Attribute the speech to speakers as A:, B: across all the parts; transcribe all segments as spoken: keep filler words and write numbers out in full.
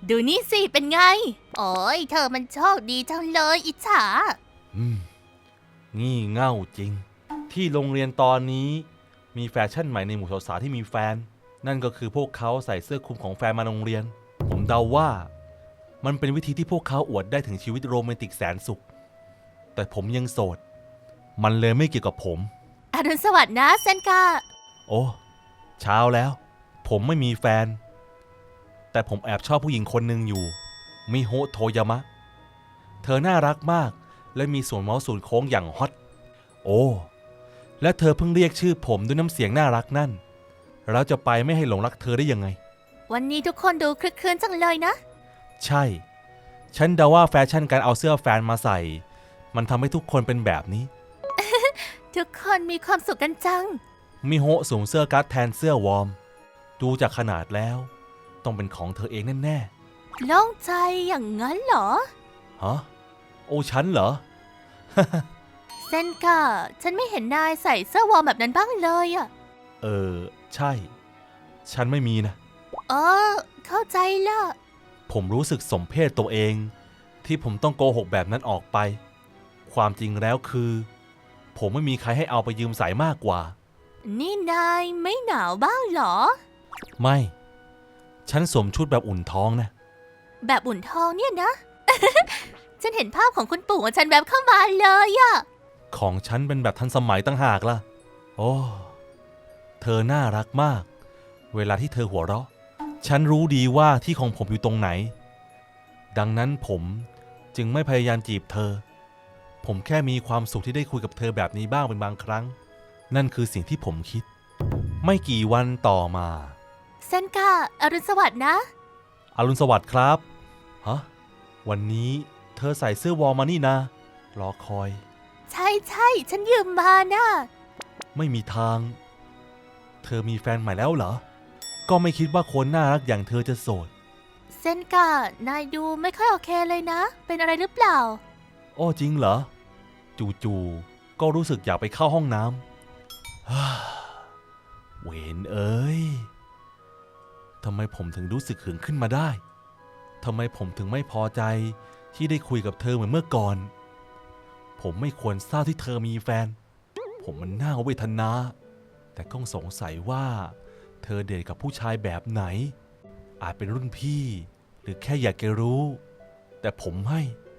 A: ดูนี่สิเป็นไงโอ้ยเธอมันโชคดีจังเลยอิจฉา
B: อืมงี่เง่าจริงที่โรงเรียนตอนนี้มีแฟชั่นใหม่ในหมู่สาวๆที่มีแฟนนั่นก็คือพวกเขาใส่เสื้อคลุมของแฟนมาโรงเรียนผมเดาว่ามันเป็นวิธีที่พวกเขาอวดได้ถึงชีวิตโรแมนติกแสนสุขแต่ผมยังโสดมันเลยไม่เกี่ยวกับผม
A: อรุณสวัสดิ์นะเซนกา
B: โอ้เช้าแล้วผมไม่มีแฟนแต่ผมแอบชอบผู้หญิงคนหนึ่งอยู่มิโฮะโทยามะเธอน่ารักมากและมีส่วนเมาส์ส่วนโค้งอย่างฮอตโอ้และเธอเพิ่งเรียกชื่อผมด้วยน้ำเสียงน่ารักนั่นเราจะไปไม่ให้หลงรักเธอได้ยังไง
A: วันนี้ทุกคนดูคลึกครื้นจังเลยนะ
B: ใช่ฉันเดาว่าแฟชั่นการเอาเสื้อแฟนมาใส่มันทำให้ทุกคนเป็นแบบนี้
A: ทุกคนมีความสุขกันจัง
B: มิโฮะสวมเสื้อกั๊กแทนเสื้อวอร์มดูจากขนาดแล้วต้องเป็นของเธอเองแน่
A: ๆโล่งใจอย่างนั้นเหรอ
B: ฮะโอ้ฉันเหรอ
A: เซนกาฉันไม่เห็นนายใส่เสื้อวอร์มแบบนั้นบ้างเลยอะ
B: เออใช่ฉันไม่มีนะ
A: เออเข้าใจละ
B: ผมรู้สึกสมเพชตัวเองที่ผมต้องโกหกแบบนั้นออกไปความจริงแล้วคือผมไม่มีใครให้เอาไปยืมใส่มากกว่า
A: นี่นายไม่หนาวบ้างเหรอ
B: ไม่ฉันสวมชุดแบบอุ่นท้องนะ
A: แบบอุ่นท้องเนี่ยนะ ฉันเห็นภาพของคุณปู่ของฉันแบบเข้ามาเลยอะ
B: ของฉันเป็นแบบทันสมัยตั้งหากล่ะโอ้เธอน่ารักมากเวลาที่เธอหัวเราะฉันรู้ดีว่าที่ของผมอยู่ตรงไหนดังนั้นผมจึงไม่พยายามจีบเธอผมแค่มีความสุขที่ได้คุยกับเธอแบบนี้บ้างเป็นบางครั้งนั่นคือสิ่งที่ผมคิดไม่กี่วันต่อมา
A: เซนกาอรุณสวัสดิ์นะ
B: อรุณสวัสดิ์ครับฮะวันนี้เธอใส่เสื้อวอร์มมานี่นะรอคอย
A: ใช่ใช่ฉันยืมมานะ
B: ไม่มีทางเธอมีแฟนใหม่แล้วเหรอก็ไม่คิดว่าคนน่ารักอย่างเธอจะโสด
A: เซนกานายดูไม่ค่อยโอเคเลยนะเป็นอะไรหรือเปล่า
B: โอ้จริงเหรอจู่ๆก็รู้สึกอยากไปเข้าห้องน้ำ เวนเอ้ยทำไมผมถึงรู้สึกหึงขึ้นมาได้ทำไมผมถึงไม่พอใจที่ได้คุยกับเธอเหมือนเมื่อก่อนผมไม่ควรทราบที่เธอมีแฟนผมมันน่าเวทนาแต่ก็สงสัยว่าเธอเดทกับผู้ชายแบบไหนอาจเป็นรุ่นพี่หรือแค่อยากจะรู้แต่ผมไม่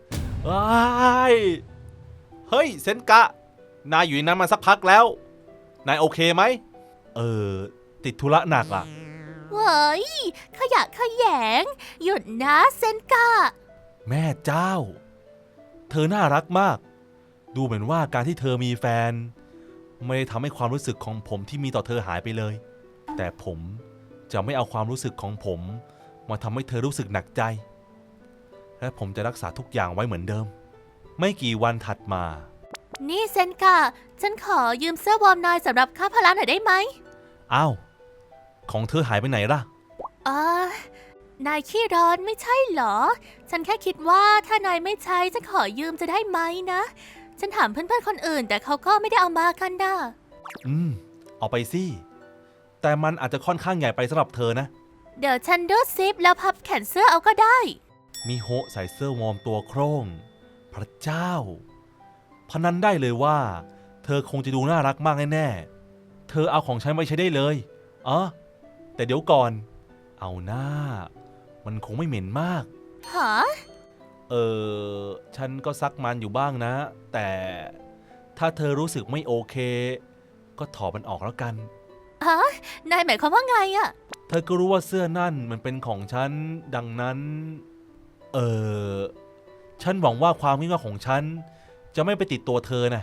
B: เฮ้ยเซนกะนายอยู่ในนั้นมาสักพักแล้วนายโอเคไหมเออติดธุระหนักอ่ะ
A: เว้ยขยะขยงหยุดนะเซนกา
B: แม่เจ้าเธอน่ารักมากดูเหมือนว่าการที่เธอมีแฟนไม่ได้ทำให้ความรู้สึกของผมที่มีต่อเธอหายไปเลยแต่ผมจะไม่เอาความรู้สึกของผมมาทำให้เธอรู้สึกหนักใจและผมจะรักษาทุกอย่างไว้เหมือนเดิมไม่กี่วันถัดมา
A: นี่เซนกาฉันขอยืมเสื้อวอร์มนายสำหรับค่าพละหน่อยได้ไหม
B: อ้าวของเธอหายไปไหนล่ะ
A: เออนายขี้ร้อนไม่ใช่เหรอฉันแค่คิดว่าถ้านายไม่ใช้ฉันขอยืมจะได้ไหมนะฉันถามเพื่อนๆคนอื่นแต่เขาก็ไม่ได้เอามากันนะ
B: อืมเอาไปสิแต่มันอาจจะค่อนข้างใหญ่ไปสำหรับเธอนะ
A: เดี๋ยวฉันดูซิปแล้วพับแขนเสื้อเอาก็ได้
B: มิโฮะใส่เสื้อวอร์มตัวโคร่งพระเจ้าพนันได้เลยว่าเธอคงจะดูน่ารักมากแน่ๆเธอเอาของฉันไว้ใช้ได้เลยอ๋อแต่เดี๋ยวก่อนเอาหน้ามันคงไม่เหม็นมาก
A: ฮะ
B: เออฉันก็ซักมันอยู่บ้างนะแต่ถ้าเธอรู้สึกไม่โอเคก็ถอดมันออกแล้วกัน
A: ฮะนายหมายความว่าไงอะ
B: เธอก็รู้ว่าเสื้อนั่นมันเป็นของฉันดังนั้นเออฉันหวังว่าความงี่เง่าของฉันจะไม่ไปติดตัวเธอนะ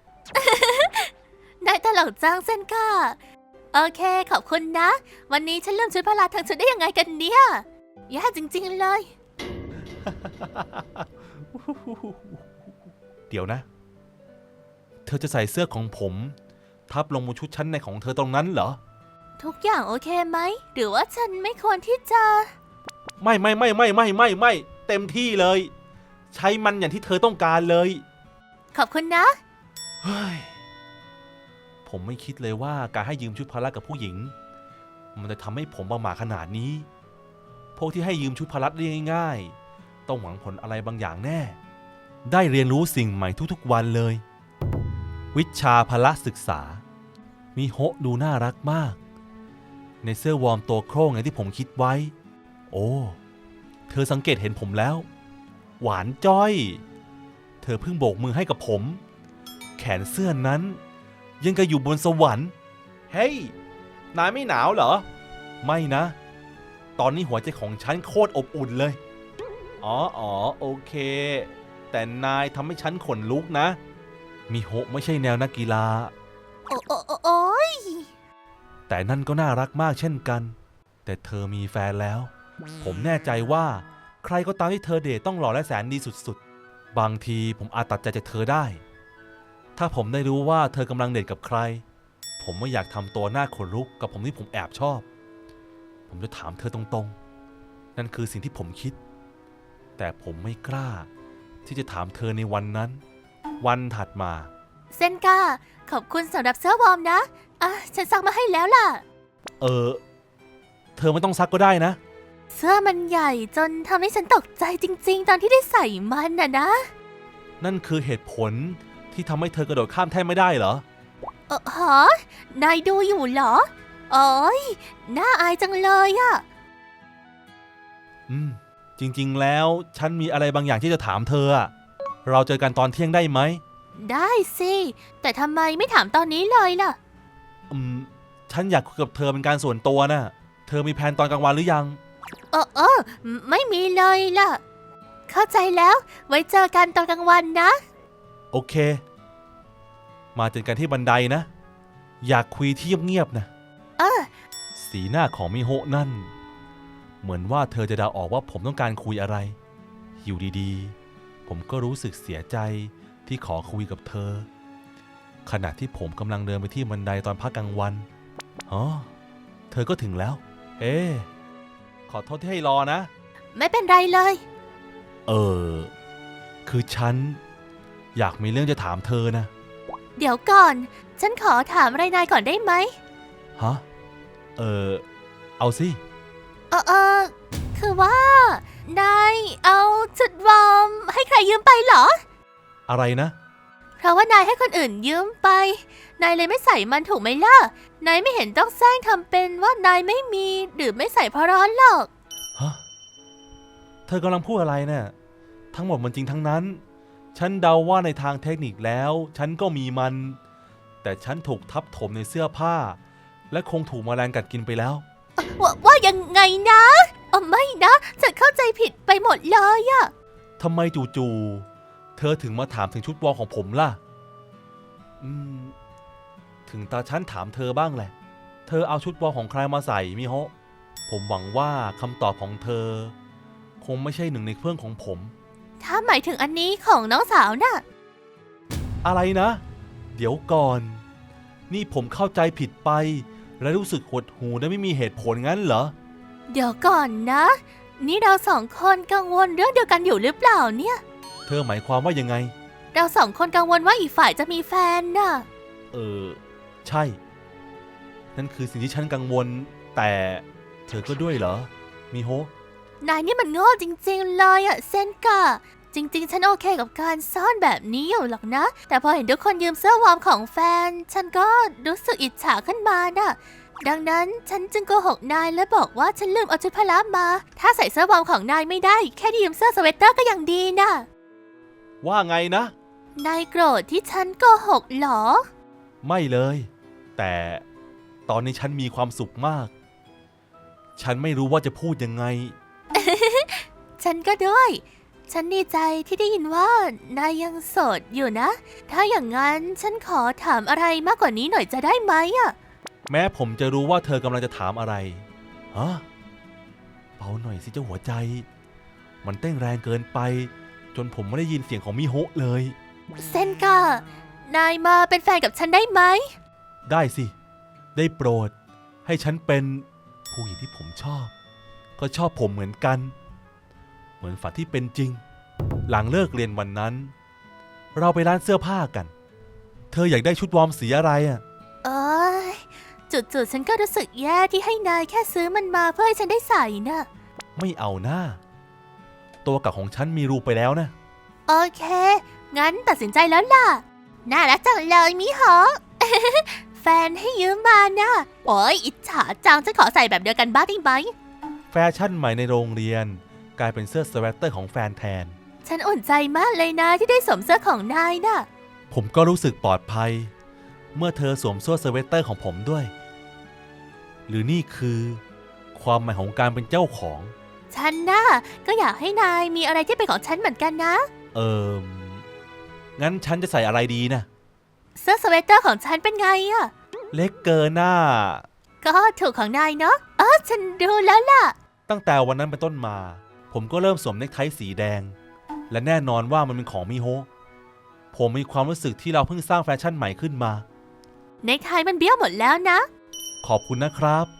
A: นายตลกจังเซนก้าโอเคขอบคุณนะวันนี้ฉันลืมชุดพละทั้งชุดได้ยังไงกันเนี่ยแย่จริงๆเลย
B: เดี๋ยวนะเธอจะใส่เสื้อของผมทับลงบนชุดชั้นในของเธอตรงนั้นเหรอ
A: ทุกอย่างโอเคไหมหรือว่าฉันไม่ควรที่จะ
B: ไม่ไม่ไม่ไม่ไม่ไม่ไม่เต็มที่เลยใช้มันอย่างที่เธอต้องการเลย
A: ขอบคุณนะ
B: เฮ้ยผมไม่คิดเลยว่าการให้ยืมชุดพละกับผู้หญิงมันจะทำให้ผมประหม่าขนาดนี้พวกที่ให้ยืมชุดพละได้ง่ายๆต้องหวังผลอะไรบางอย่างแน่ ได้เรียนรู้สิ่งใหม่ทุกๆวันเลย วิชาพละศึกษามิโฮะดูน่ารักมากในเสื้อวอร์มตัวโคร่งอย่างที่ผมคิดไว้โอ้เธอสังเกตเห็นผมแล้วหวานจ้อยเธอเพิ่งโบกมือให้กับผมแขนเสื้อนั้นยังกะอยู่บนสวรรค์เฮ้ยนายไม่หนาวเหรอไม่นะตอนนี้หัวใจของฉันโคตรอบอุ่นเลยอ๋ออ๋อโอเคแต่นายทำให้ฉันขนลุกนะมิโฮะไม่ใช่แนวนักกีฬา
A: โอ้โอ้โอ้โอ้ย
B: แต่นั่นก็น่ารักมากเช่นกันแต่เธอมีแฟนแล้วผมแน่ใจว่าใครก็ตามที่เธอเดทต้องหล่อและแสนดีสุดๆบางทีผมอาจตัดใจจากเธอได้ถ้าผมได้รู้ว่าเธอกำลังเดทกับใครผมไม่อยากทำตัวหน้าขนลุกกับผมที่ผมแอบชอบผมจะถามเธอตรงๆนั่นคือสิ่งที่ผมคิดแต่ผมไม่กล้าที่จะถามเธอในวันนั้นวันถัดมา
A: เซนกาขอบคุณสำหรับเสื้อวอร์มนะอ่ะฉันซักมาให้แล้วล่ะ
B: เออเธอไม่ต้องซักก็ได้นะ
A: เสื้อมันใหญ่จนทำให้ฉันตกใจจริงๆตอนที่ได้ใส่มันน่ะนะ
B: นั่นคือเหตุผลที่ทำให้เธอกระโดดข้ามแท่นไม่ได้เหรอ
A: เออฮะนายดูอยู่เหรอโอ้ยน่าอายจังเลยอะ
B: อืมจริงๆแล้วฉันมีอะไรบางอย่างที่จะถามเธออะเราเจอกันตอนเที่ยงได้ไหม
A: ได้สิแต่ทำไมไม่ถามตอนนี้เลยล่ะ
B: อืมฉันอยากคุยกับเธอเป็นการส่วนตัวน่ะเธอมีแผนตอนกลางวันหรือยัง
A: เออเออไม่มีเลยล่ะเข้าใจแล้วไว้เจอกันตอนกลางวันนะ
B: โอเคมาเจอกันที่บันไดนะอยากคุยที่เงียบๆนะ
A: เออ
B: สีหน้าของมิโฮะนั่นเหมือนว่าเธอจะเดาออกว่าผมต้องการคุยอะไรอยู่ดีๆผมก็รู้สึกเสียใจที่ขอคุยกับเธอขณะที่ผมกำลังเดินไปที่บันไดตอนพักกลางวันอ๋อเธอก็ถึงแล้วเอ๊ขอโทษที่ให้รอนะ
A: ไม่เป็นไรเลย
B: เออคือฉันอยากมีเรื่องจะถามเธอนะ
A: เดี๋ยวก่อนฉันขอถามอะไรนายก่อนได้ไหม
B: ฮะเออเอาสิ
A: เออเออคือว่านายเอาชุดวอร์มให้ใครยืมไปเหรอ
B: อะไรนะ
A: เพราะว่านายให้คนอื่นยืมไปนายเลยไม่ใส่มันถูกไหมล่ะนายไม่เห็นต้องแซงทำเป็นว่านายไม่มีหรือไม่ใส่เพราะร้อนหรอก
B: ฮะเธอกำลังพูดอะไรเนี่ยทั้งหมดมันจริงทั้งนั้นฉันเดาว่าในทางเทคนิคแล้วฉันก็มีมันแต่ฉันถูกทับถมในเสื้อผ้าและคงถูกแมลงกัดกินไปแล้ว
A: ว่าว่ายังไงนะเออไม่นะฉันเข้าใจผิดไปหมดเลยอะ
B: ทำไมจู่ๆเธอถึงมาถามถึงชุดวอร์มของผมล่ะอืมถึงตาฉันถามเธอบ้างแหละเธอเอาชุดวอร์มของใครมาใส่มิโฮะผมหวังว่าคำตอบของเธอคงไม่ใช่หนึ่งในเครื่องของผม
A: ถ้าหมายถึงอันนี้ของน้องสาวน่ะ
B: อะไรนะเดี๋ยวก่อนนี่ผมเข้าใจผิดไปและรู้สึกหดหู่และไม่มีเหตุผลงั้นเหรอ
A: เดี๋ยวก่อนนะนี่เราสองคนกังวลเรื่องเดียวกันอยู่หรือเปล่าเนี่ย
B: เธอหมายความว่ายังไง
A: เราสองคนกังวลว่าอีกฝ่ายจะมีแฟนน่ะ
B: เออใช่นั่นคือสิ่งที่ฉันกังวลแต่เธอก็ด้วยเหรอมิโฮะ
A: นายนี่มันโง่จริงๆเลยอะเซนกะจริงๆฉันโอเคกับการซ่อนแบบนี้อยู่หรอกนะแต่พอเห็นทุกคนยืมเสื้อวอร์มของแฟนฉันก็รู้สึกอิจฉาขึ้นมาน่ะดังนั้นฉันจึงโกหกนายและบอกว่าฉันลืมเอาชุดพละมาถ้าใส่เสื้อวอร์มของนายไม่ได้แค่ยืมเสื้อสเวตเตอร์ก็ยังดีน่ะ
B: ว่าไงนะ
A: นายโกรธที่ฉันโกหกเหรอ
B: ไม่เลยแต่ตอนนี้ฉันมีความสุขมากฉันไม่รู้ว่าจะพูดยังไง
A: ฉันก็ด้วยฉันดีใจที่ได้ยินว่านายยังโสดอยู่นะถ้าอย่างนั้นฉันขอถามอะไรมากกว่านี้หน่อยจะได้ไหมอะ
B: แม้ผมจะรู้ว่าเธอกำลังจะถามอะไรฮะเบาหน่อยสิเจ้าหัวใจมันเต้นแรงเกินไปจนผมไม่ได้ยินเสียงของมิโฮะเลย
A: เซนกานายมาเป็นแฟนกับฉันได้ไหม
B: ได้สิได้โปรดให้ฉันเป็นผู้หญิงที่ผมชอบก็ชอบผมเหมือนกันเหมือนฝันที่เป็นจริงหลังเลิกเรียนวันนั้นเราไปร้านเสื้อผ้ากันเธออยากได้ชุดวอร์มสีอะไรอ่ะ
A: เอ้ยจุดๆฉันก็รู้สึกแย่ที่ให้นายแค่ซื้อมันมาเพื่อให้ฉันได้ใส่น่ะ
B: ไม่เอาหน้าตัวกับของฉันมีรูไปแล้วนะ
A: โอเค งั้นตัดสินใจแล้วล่ะ น่ารักจังเลยมิโฮะ แฟนให้ยืมมานะโอ้ยอิจฉาจังฉันขอใส่แบบเดียวกันบ้างได้ไหม
B: แฟชั่นใหม่ในโรงเรียนกลายเป็นเสื้อสเวตเตอร์ของแฟนแทน
A: ฉันอุ่นใจมากเลยนะที่ได้สวมเสื้อของนายน่ะ
B: ผมก็รู้สึกปลอดภัย เมื่อเธอสวมเสื้อสเวตเตอร์ของผมด้วย หรือนี่คือความหมายของการเป็นเจ้าของ
A: ฉันน่ะก็อยากให้นายมีอะไรที่เป็นของฉันเหมือนกันนะ
B: เอิมงั้นฉันจะใส่อะไรดีนะ
A: เสื้อสเวตเตอร์ของฉันเป็นไงอะ
B: เล็กเกินหน้า
A: ก็ถูกของนายเนาะอ๋อฉันดูแล้วล่ะ
B: ตั้งแต่วันนั้นเป็นต้นมา ผมก็เริ่มสวมเนคไทสีแดง และแน่นอนว่ามันเป็นของมิโฮะผมมีความรู้สึกที่เราเพิ่งสร้างแฟชั่นใหม่ขึ้นมา
A: ในไทยมันเบี้ยวหมดแล้วนะ
B: ขอบคุณนะครับ